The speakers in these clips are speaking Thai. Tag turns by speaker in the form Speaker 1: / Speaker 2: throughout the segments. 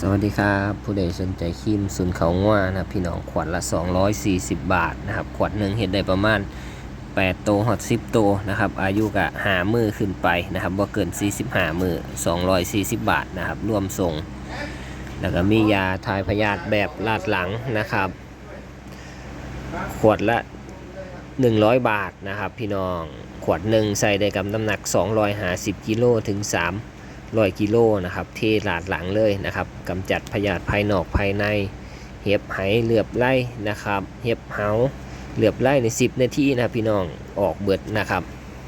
Speaker 1: สวัสดีครับผู้ใดสนใจครีมศูนย์เขาง่วนะครับพี่น้องขวดละ240 บาทนะครับขวดหนึ่งเห็นได้ประมาณ8 โตหอด10 โตนะครับอายุกะ5 มื้อขึ้นไปนะครับบ่เกิน45 มื้อ240 บาทนะครับรวมส่งแล้วก็มียาทายพยาธิแบบลาดหลังนะครับขวดละ100 บาทนะครับพี่น้องขวดหนึ่งใส่ได้กับน้ำหนัก250 กิโลถึง300 กิโลนะครับเทลาดหลังเลยนะครับกำจัดพยาธิภายนอกภายในเห็บไหเหลือบไล่นะครับเห็บเหาเหลือบไล่ใน10 นาทีนะพี่น้องออกเบิดนะครับ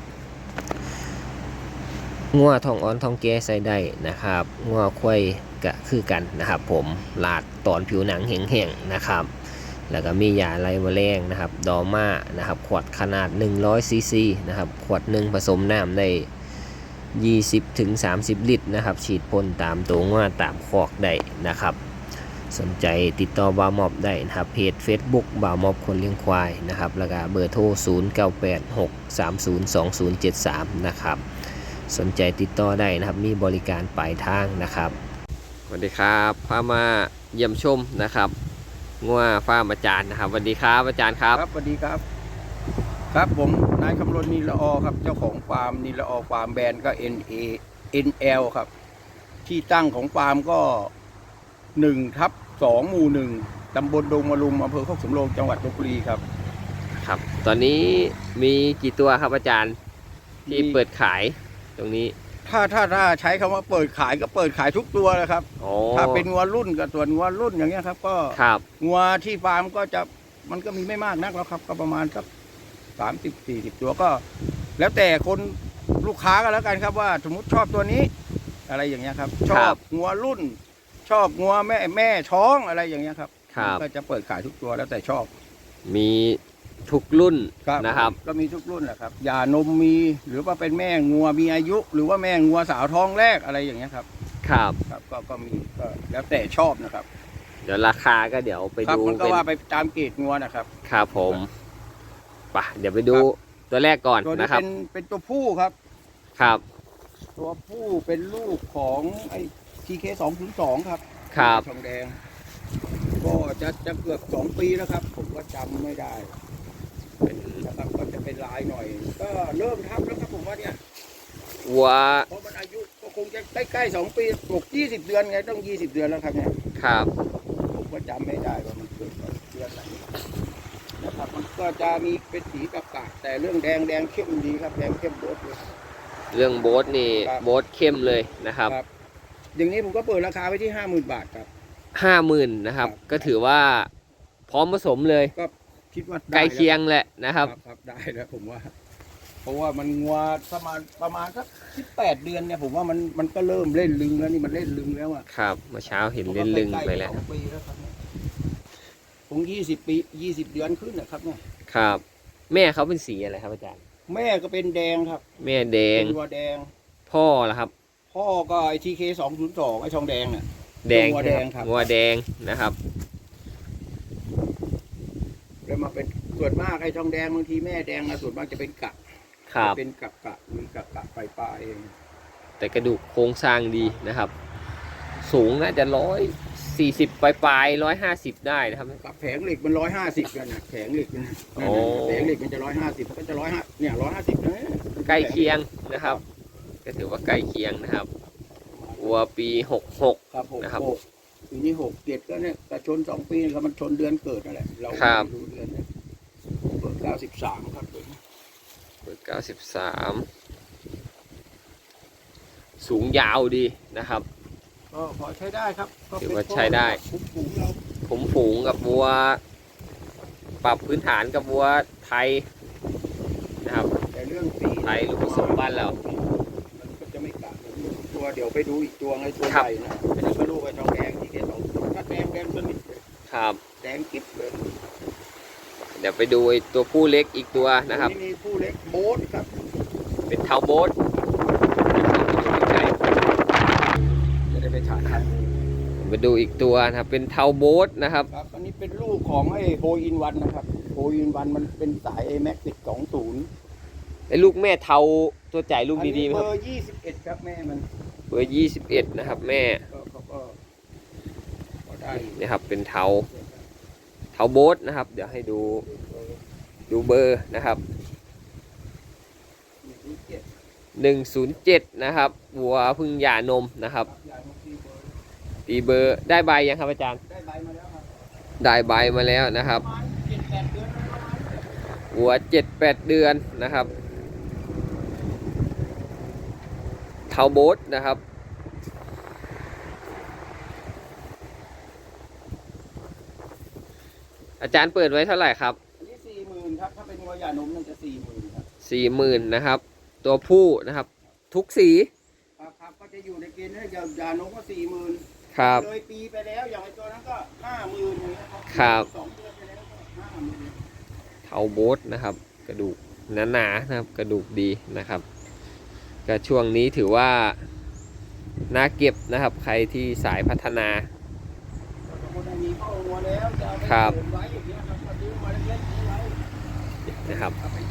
Speaker 1: งัวทองอ่อนทองแก่ใส่ได้นะครับงัวควายก็คือกันนะครับผมลาดตอนผิวหนังแห้งๆนะครับแล้วก็มียาไล่แมลงนะครับดอม่านะครับขวดขนาด100 ซีซีนะครับขวดหนึ่งผสมน้ำได้20 ถึง 30 ลิตรนะครับฉีดพ่นตามตัวงัวตามคอกได้นะครับสนใจติดต่อบ่าวมอบได้นะครับเพจ Facebook บ่าวมอบคนเลี้ยงควายนะครับแล้วก็เบอร์โทร0986302073นะครับสนใจติดต่อได้นะครับมีบริการปลายทางนะครับสวัสดีครับพามาเยี่ยมชมนะครับงัวฟาร์มอาจารย์นะครับสวัสดีครับอาจารย์ครับ
Speaker 2: สวัสดีครับครับผมนายคำรณนิลออครับเจ้าของฟาร์มนิลออฟาร์มแบรนด์ก็ NL ครับที่ตั้งของฟาร์มก็1/2 หมู่ 1ตำบลดงมะลุมอำเภอโคกสำโรงจังหวัดลพบุรีครับ
Speaker 1: ครับตอนนี้มีกี่ตัวครับอาจารย์ที่เปิดขายตรงนี้
Speaker 2: ถ้าใช้คำว่าเปิดขายก็เปิดขายทุกตัวเลยครับถ้าเป็นงัวรุ่นกับส่วนงัวรุ่นอย่างเงี้ยครับก็งัวที่ฟาร์มก็จะมันก็มีไม่มากนักแล้วครับก็ประมาณสัก30-40 ตัวก็แล้วแต่คนลูกค้าก็แล้วกันครับว่าสมมติชอบตัวนี้อะไรอย่างเงี้ยครับชอบงัวรุ่นชอบงัวแม่ท้องอะไรอย่างเงี้ยครับก็จะเปิดขายทุกตัวแล้วแต่ชอบ
Speaker 1: มีทุกรุ่นนะครับ
Speaker 2: ก็มีทุกรุ่นแหละครับยานมมีหรือว่าเป็นแม่งัวมีอายุหรือว่าแม่งัวสาวท้องแรกอะไรอย่างเงี้ยครับ
Speaker 1: ครับ
Speaker 2: ก็มีก็แล้วแต่ชอบนะครับ
Speaker 1: เดี๋ยวราคาก็เดี๋ยวไปดู
Speaker 2: มันก็ว่าไปตามเกรดงัวนะครับ
Speaker 1: ครับผมไปเดี๋ยวไปดูตัวแรกก่อนนะครับ
Speaker 2: เป็นตัวผู้ครับ
Speaker 1: ครับ
Speaker 2: ตัวผู้เป็นลูกของไอ้ TK202 ครับทองแดงก็จะเกือบ2 ปีแล้วครับผมก็จำไม่ได้นะครับก็จะเป็นลายหน่อยก็เริ่มทับแล้วครับผมว่าเนี่ย
Speaker 1: วัว
Speaker 2: เพราะมันอายุก็คงจะใกล้ๆ2 ปีตก20 เดือนไงต้อง20 เดือนแล้วครับเนี่ย
Speaker 1: ครับ
Speaker 2: ผมก็จำไม่ได้ว่ามันเกิดเดือนไหนนะครับมันก็จะมีเป็นสีกะกะแต่เรื่องแดงเข้มดีครับแดงเข้มโบ๊ทเลย
Speaker 1: เรื่องโบ๊ทนี่โบ๊ทเข้มเลยนะครับ
Speaker 2: อย่างนี้ผมก็เปิดราคาไว้ที่50,000 บาทครับ
Speaker 1: 50,000นะครับก็ถือว่าพร้อมผสมเลย
Speaker 2: ก็คิดว่า
Speaker 1: ใกล้เคียงแหละนะครับ
Speaker 2: ได้แล้วผมว่าเพราะว่ามันงัวประมาณสัก18 เดือนเนี่ยผมว่ามันก็เริ่มเล่นลึงแล้วนี่มันเล่นลึงแล้วอ่ะ
Speaker 1: ครับเมื่อเช้าเห็นเล่นลึงไปแล้ว
Speaker 2: คง20 ปี20 เดือนขึ้นนะครับเนี่ย
Speaker 1: ครับแม่เขาเป็นสีอะไรครับอาจารย์
Speaker 2: แม่ก็เป็นแดงครับ
Speaker 1: แม่แดง
Speaker 2: ตัวแดง
Speaker 1: พ่อล่ะครับ
Speaker 2: พ่อก็ไอTK202ไอทองแดงน่ะ
Speaker 1: แดงงัวแดงครับงัวแดงนะครับ
Speaker 2: แล้วมาเป็นส่วนมากไอ้ทองแดงบางทีแม่แดงนะส่วนมากจะเป็นกะเป็นกะมีกะปลายเอง
Speaker 1: แต่กระดูกโครงสร้างดีนะครับสูงน่าจะ140 ปลาย150ได้นะครับ
Speaker 2: แผงเหล็กมัน150กันนะแผงเหล็กมันแผงเหล็กมันจะ150ก็จะ150เนี่ย150นะ
Speaker 1: ใกล้เคียงนะครับก็ถือว่าใกล้เคียงนะครับวัวปี66นะครับ
Speaker 2: ปีนี้67ก็เนี่ยแต่ชน2 ปีแล้วมันชนเดือนเกิดอะไรเราดูเดือนเนี่ยเปิด93ครับ
Speaker 1: เปิด93สูงยาวดีนะครับ
Speaker 2: ก็พอใช้ได้ครับ
Speaker 1: ถือว่าใช้ได้ผมฝูงกับวัวปรับพื้นฐานกับวัวไทยนะครับ
Speaker 2: แต่เรื่องสี
Speaker 1: ไทยลูกผสมบ้านเรา
Speaker 2: มันก็จะไม่กัดตัวเดี๋ยวไปดูอีกตัวไงตัวใหญ่นะอันนี้ก็ลูกไอ้ทองแดงที่2ถ้าแดงสนิทเลย
Speaker 1: ครับ
Speaker 2: แดงกิ๊บเลย
Speaker 1: เดี๋ยวไปดูไอ้ตัวผู้เล็กอีกตัวนะครับ
Speaker 2: นี่ผู้เล็กโบ๊ทครับ
Speaker 1: เป็นเทาโบ๊ท
Speaker 2: จะได้ไปถ่ายทัน
Speaker 1: มาดูอีกตัวนะครับเป็นเทาโบ๊ทนะครับ
Speaker 2: อันนี้เป็นลูกของไอ้โฮอินวันนะครับโฮอินวันมันเป็นสาย AMAX 10
Speaker 1: ไอ้ลูกแม่เทาตัวใหญ่ลูกดีๆไหมครับ
Speaker 2: เบอร์21ครับแม่มัน
Speaker 1: เบอร์21นะครับแม่นะครับเป็นเทาโบ๊ทนะครับ เดี๋ยวให้ดูเบอร์นะครับ107นะครับวัวพึ่งหย่านมนะครับตีเบอร์ได้ใบยังครับอาจารย์
Speaker 2: ได้ใบมาแล้วครับ
Speaker 1: ได้ใบมาแล้วนะครับวัว7-8 เดือนนะครับเทาโบ๊ทนะครับอาจารย์เปิดไว้เท่าไหร่ครับ
Speaker 2: อันนี้40,000ครับถ้าเป็นวัวหย่านมนั่นจะ40,000ครับ
Speaker 1: 40,000นะครับตัวผู้นะครับทุกสี
Speaker 2: ครับก็จะอยู่ในเกณฑ์ถ้าหย่านมก็40,000
Speaker 1: ครับ
Speaker 2: เลยปีไปแล้วอย่างไอตัวนั้นก็50,000อย่างเงี้ย
Speaker 1: ครับ
Speaker 2: 2 เดือนไปแล้วก็50,000
Speaker 1: เทาโบ๊ทนะครับกระดูกหนาๆนะครับกระดูกดีนะครับก็ช่วงนี้ถือว่าน่าเก็บนะครับใครที่สายพัฒนาครับนะครับ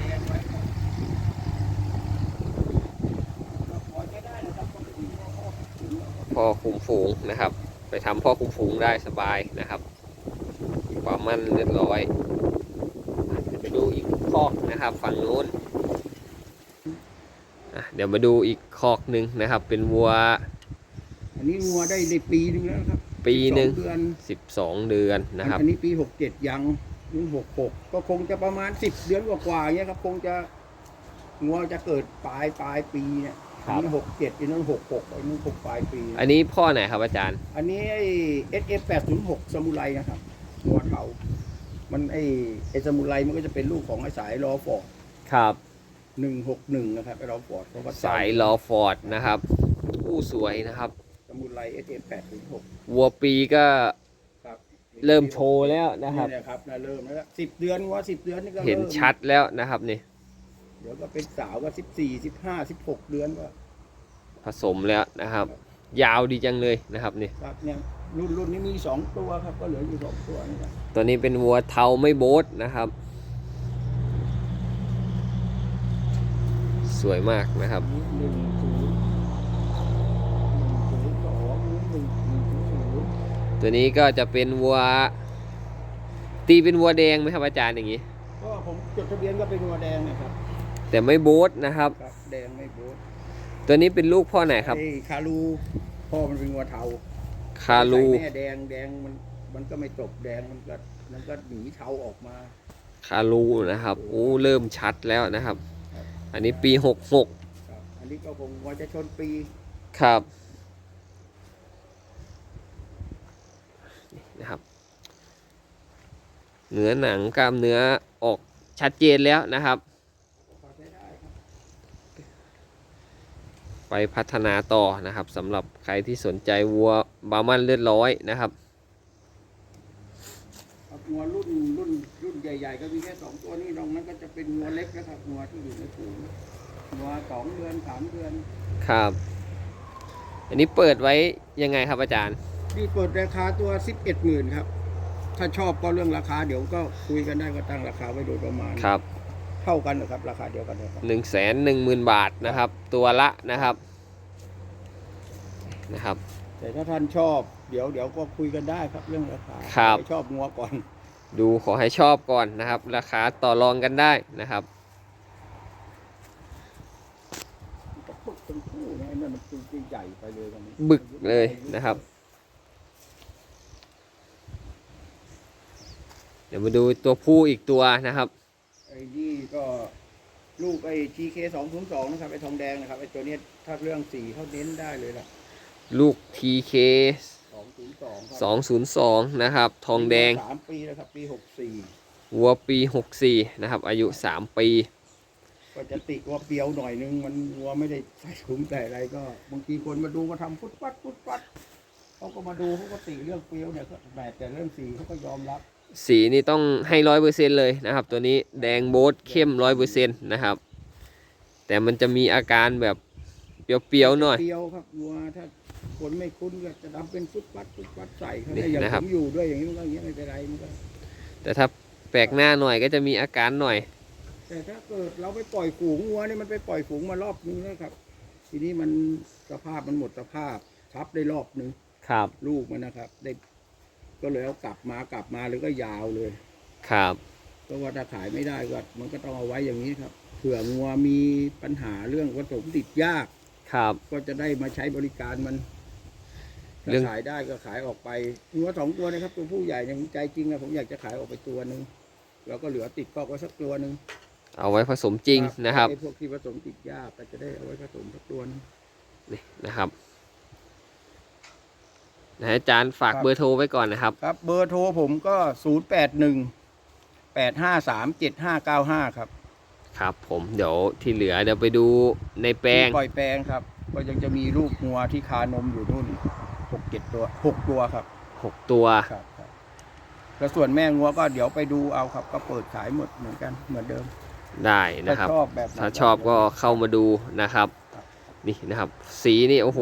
Speaker 1: พ่อคุมฝูงนะครับไปทำพ่อคุมฝูงได้สบายนะครับความมั่นเรียบร้อยไปดูอีกคอกนะครับฝั่งนู้นเดี๋ยวมาดูอีกคอกหนึ่งนะครับเป็นวัว
Speaker 2: อันนี้วัวได้ปีนึงแล้วครับ
Speaker 1: ปีหนึ่ง
Speaker 2: 12
Speaker 1: เดือนนะครับ
Speaker 2: อันนี้ปี67ยังนี่66ก็คงจะประมาณ10 เดือนกว่าๆเงี้ยครับคงจะงัวจะเกิดปลายปีเนี่ยนี่67อีนั้น66ไอ้นู่น6ปลายปี
Speaker 1: อันนี้พ่อไหนครับอาจารย์
Speaker 2: อันนี้ไอ้ SF806ซามูไรนะครับงัวเทามันไอ้ซามูไรมันก็จะเป็นลูกของไอ้สายลอฟอร์ด
Speaker 1: ครับ
Speaker 2: 161นะครับไอ้ลอฟอร์ด
Speaker 1: สายลอฟอร์ดนะครับผู้สวยนะครับ
Speaker 2: ซามูไร SF806
Speaker 1: วัวปีก็เริ่มโชว์แล้วนะครับ
Speaker 2: นี่ครับเริ่มแล้ว10 เดือนวัว10 เดือนนี่ก็
Speaker 1: เห็นชัดแล้วนะครับนี่
Speaker 2: เดี๋ยวก็เป็นสาวก็14 15 16 เดือนก็
Speaker 1: ผสมแล้วนะครับยาวดีจังเลยนะครับนี่
Speaker 2: ครับเนี่ยรุ่นนี้มี2 ตัวครับก็เหลืออยู่2 ตัวนี่ครับ
Speaker 1: ตัวนี้เป็นวัวเทาไม่โบ๊ทนะครับสวยมากนะครับตัวนี้ก็จะเป็นวัวตีเป็นวัวแดงไหมครับอาจารย์อย่างนี้
Speaker 2: ก็ผมจดทะเบียนก็เป็นวัวแดงนะครับ
Speaker 1: แต่ไม่โบ๊ทนะครับ
Speaker 2: แดงไม่โบ๊ท
Speaker 1: ตัวนี้เป็นลูกพ่อไหนครับ
Speaker 2: คารูพ่อมันเป็นวัวเทา
Speaker 1: คารู
Speaker 2: แม่แดงมันก็ไม่จบแดงมันก็หนีเทาออกมา
Speaker 1: คารูนะครับโอ้เริ่มชัดแล้วนะครับอันนี้ปี66
Speaker 2: อันนี้ก็คงว่าจะชนปี
Speaker 1: ครับนะครับเนื้อหนังกล้ามเนื้อออกชัดเจนแล้วนะครับไปพัฒนาต่อนะครับสำหรับใครที่สนใจวัวบาร์มันเลือดร้อยนะครับ
Speaker 2: งัวรุ่นใหญ่ๆก็มีแค่2 ตัวนี้ตรงนั้นก็จะเป็นงัวเล็กนะครับงัวที่อยู่ในฝูงงัว2 เดือน3 เดือน
Speaker 1: ครับอันนี้เปิดไว้ยังไงครับอาจารย์
Speaker 2: นี่เปิดราคาตัว11,000ครับถ้าชอบก็เรื่องราคาเดี๋ยวก็คุยกันได้ก็ตั้งราคาไว้โดยประมาณ
Speaker 1: ครับ
Speaker 2: เท่ากันนะครับราคาเดียวกันนะครับ
Speaker 1: 110,000 บาทนะครับตัวละนะครับ
Speaker 2: แต่ถ้าท่านชอบเดี๋ยวก็คุยกันได้ครับเรื่องราคาให้ชอบงัวก่อน
Speaker 1: ดูขอให้ชอบก่อนนะครับราคาต่อรองกันได้นะครับบึกเลยนะครับเดี๋ยวมาดูตัวผู้อีกตัวนะครับ
Speaker 2: ไอ้นี่ก็ลูกไอ้ TK202นะครับไอ้ทองแดงนะครับไอ้ตัวนี้ถ้าเรื่องสีเขาเน้นได้เลยล่ะ
Speaker 1: ลูก TK 202นะครับทองแดง
Speaker 2: 3 ปีแล้วครับปี64
Speaker 1: วัวปี64นะครับอายุ3 ปี
Speaker 2: ก็จะติว่าเปรียวหน่อยนึงมันวัวไม่ได้ใส่ถุงแต่อะไรก็บางทีคนมาดูก็ทำฟุตฟัดเขาก็มาดูเขาก็ติเรื่องเปรียวเนี่ยแต่เรื่องสีเขาก็ยอมรับ
Speaker 1: สีนี่ต้องให้100%เลยนะครับตัวนี้แดงโบ๊ทเข้ม100%นะครับแต่มันจะมีอาการแบบเปรี้ยวๆหน่อย
Speaker 2: เปรี้ยวครับวัวถ้าคนไม่คุ้นก็จะทำเป็นฟุตฟัดใส่เขาได้อย่างผมอยู่ด้วยอย่างนี้มันก็อย่างนี้ไม่เป็นไรมันก็
Speaker 1: แต่ถ้าแปลกหน้าหน่อยก็จะมีอาการหน่อย
Speaker 2: แต่ถ้าเกิดเราไปปล่อยฝูงวัวนี่มันไปปล่อยฝูงมารอบนึงนะครับทีนี้มันสภาพมันหมดสภาพทับได้รอบนึง
Speaker 1: ครับ
Speaker 2: ลูกมันนะครับได้ก็เลยเอากลับมาเลยก็ยาวเลย
Speaker 1: ครับ
Speaker 2: เพราะว่าถ้าขายไม่ได้ก็มันก็ต้องเอาไว้อย่างนี้ครับเผื่องัวมีปัญหาเรื่องผสมติดยาก
Speaker 1: ครับ
Speaker 2: ก็จะได้มาใช้บริการมัน
Speaker 1: เรื่อง
Speaker 2: ถ้าขายได้ก็ขายออกไปงัว2 ตัวนะครับตัวผู้ใหญ่เนี่ยผมใจจริงนะผมอยากจะขายออกไปตัวหนึ่งแล้วก็เหลือติดคอกไว้สักตัวหนึ่ง
Speaker 1: เอาไว้ผสมจริงนะครับ
Speaker 2: ไอ้พวกที่ผสมติดยากก็จะได้เอาไว้ผสมสักตัวหนึง
Speaker 1: นี่นะครับนะอาจารย์ฝาก
Speaker 2: ครับ
Speaker 1: เบอร์โทรไว้ก่อนนะครับ
Speaker 2: ครับเบอร์โทรผมก็081-853-7595ครับ
Speaker 1: ครับผมเดี๋ยวที่เหลือเดี๋ยวไปดูในแปลง
Speaker 2: ที่ปล่อยแปลงครับ ก็ยังจะมีลูกงัวที่คานมอยู่นู่น6-7 ตัว6 ตัวครับ
Speaker 1: 6 ตัว
Speaker 2: ครับแล้วส่วนแม่งัวก็เดี๋ยวไปดูเอาครับ ก็เปิดขายหมดเหมือนกันเหมือนเดิม
Speaker 1: ได้นะครับ
Speaker 2: ถ้าชอบแบบไหน
Speaker 1: ถ้าชอบก็เข้ามาดูนะครับ นี่นะครับ สีนี่โอ้โห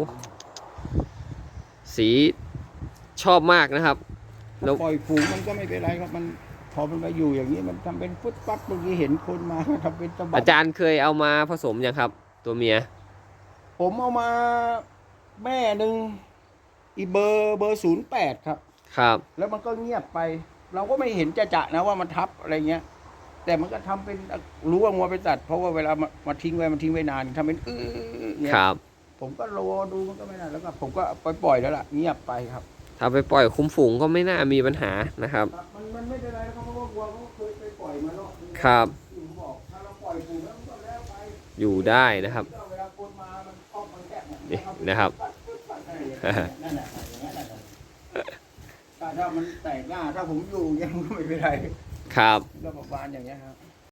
Speaker 1: สีชอบมากนะครับแล้ว
Speaker 2: ปล่อยฝูงมันก็ไม่เป็นไรครับมันพอมันมาอยู่อย่างนี้มันทำเป็นฟุตปัดเมื่อกี้เห็นคนมาทำเป็นตะบั
Speaker 1: อาจารย์เคยเอามาผสมยังครับ ตัวเมีย
Speaker 2: ผมเอามาแม่หนึ่งอีเบอร์08ครับ
Speaker 1: ครับ
Speaker 2: แล้วมันก็เงียบไป เราก็ไม่เห็นจะนะว่ามันทับอะไรเงี้ย แต่มันก็ทำเป็นรู้ว่างัวเป็นสัตว์เพราะว่าเวลามาทิ้งไว้มันทิ้งไว้นานทำเป็นเนี่ย
Speaker 1: ครับ
Speaker 2: ผมก็รอดูมันก็ไม่นานแล้วก็ผมก็ปล่อยแล้วล่ะเงียบไปครับ
Speaker 1: ถ้าไปปล่อยคุ้มฝูงก็ไม่น่ามีปัญหานะครับ
Speaker 2: มันไม่เป็นไรครับเพราะว่าวัวเขาเคยไปปล่อยมารอบนึง
Speaker 1: ครับ
Speaker 2: ผมบอกถ้าเราปล่อยฝูงแล้วมันก็แล้วไป
Speaker 1: อยู่ได้นะครับ
Speaker 2: เวลาคนมามันคอกมันแคบ
Speaker 1: นี่นะครับ
Speaker 2: นั่นแหละอย่างนั้นแหละถ้ามันแตกหน้าถ้าผมอยู่อย่างเงี้ยมันก็ไม่เป็นไร
Speaker 1: ครับ
Speaker 2: ก็ประมาณอย่างเงี้ยครับ